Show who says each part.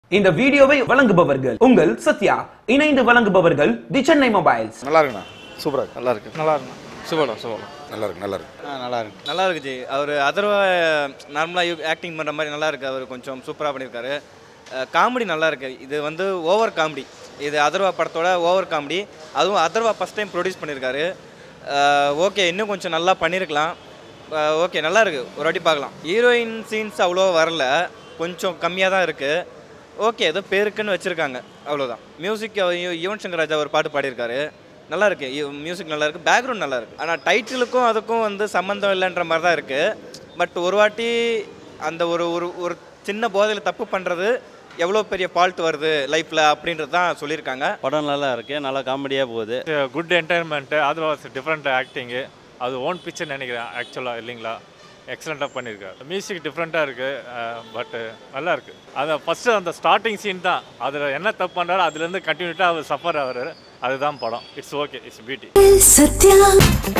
Speaker 1: இந்த வீடியோவை வழங்குபவர்கள் உங்கள் சத்யா, இணைந்து வழங்குபவர்கள் தி சென்னை மொபைல்ஸ்.
Speaker 2: நல்லா இருக்குண்ணா, சூப்பரா இருக்கு.
Speaker 3: நல்லா இருக்கு, நல்லா இருக்கு, சூப்பரா
Speaker 2: நல்லா இருக்கு, நல்லா இருக்கு,
Speaker 3: நல்லா இருக்கு, நல்லா இருக்கு ஜி. அவர் அதர்வா நார்மலாக ஆக்டிங் பண்ணுற மாதிரி நல்லா இருக்கு. அவர் கொஞ்சம் சூப்பராக பண்ணியிருக்காரு. காமெடி நல்லா இருக்கு. இது வந்து ஓவர் காமெடி. இது அதர்வா படத்தோட ஓவர் காமெடி. அதுவும் அதர்வா ஃபஸ்ட் டைம் ப்ரொடியூஸ் பண்ணியிருக்காரு. ஓகே, இன்னும் கொஞ்சம் நல்லா பண்ணியிருக்கலாம். ஓகே, நல்லா இருக்குது, ஒரு வாட்டி பார்க்கலாம். ஹீரோயின் சீன்ஸ் அவ்வளோ வரல, கொஞ்சம் கம்மியாக தான் இருக்குது. ஓகே, ஏதோ பேருக்குன்னு வச்சுருக்காங்க, அவ்வளோதான். மியூசிக் யுவன் சங்கர் ராஜா ஒரு பாட்டு பாடியிருக்காரு, நல்லா இருக்குது. மியூசிக் நல்லா இருக்குது, பேக்ரவுண்ட் நல்லா இருக்குது. ஆனால் டைட்டிலுக்கும் அதுக்கும் வந்து சம்மந்தம் இல்லைன்ற மாதிரி தான் இருக்குது. பட் ஒரு வாட்டி அந்த ஒரு ஒரு சின்ன போதையில் தப்பு பண்ணுறது எவ்வளோ பெரிய ஃபால்ட் வருது லைஃப்பில் அப்படின்றது தான் சொல்லியிருக்காங்க.
Speaker 4: படம் நல்லா இருக்குது, நல்லா காமெடியாக போகுது.
Speaker 5: குட் என்டர்டைன்மெண்ட்டு, அது டிஃப்ரெண்ட் ஆக்டிங்கு, அது ஓன் பிக்சர் நினைக்கிறேன் ஆக்சுவலாக, இல்லைங்களா? எக்ஸலண்ட்டாக பண்ணியிருக்காரு. மியூசிக் டிஃப்ரெண்ட்டாக இருக்குது, பட்டு நல்லா இருக்குது. அதை ஃபஸ்ட்டு அந்த ஸ்டார்டிங் சீன் தான், அதில் என்ன தப்பு பண்ணுறாரு அதுலேருந்து கண்டினியூட்டாக அவர் சஃபர் ஆகிறாரு, அதுதான் படம். It's okay, it's beauty.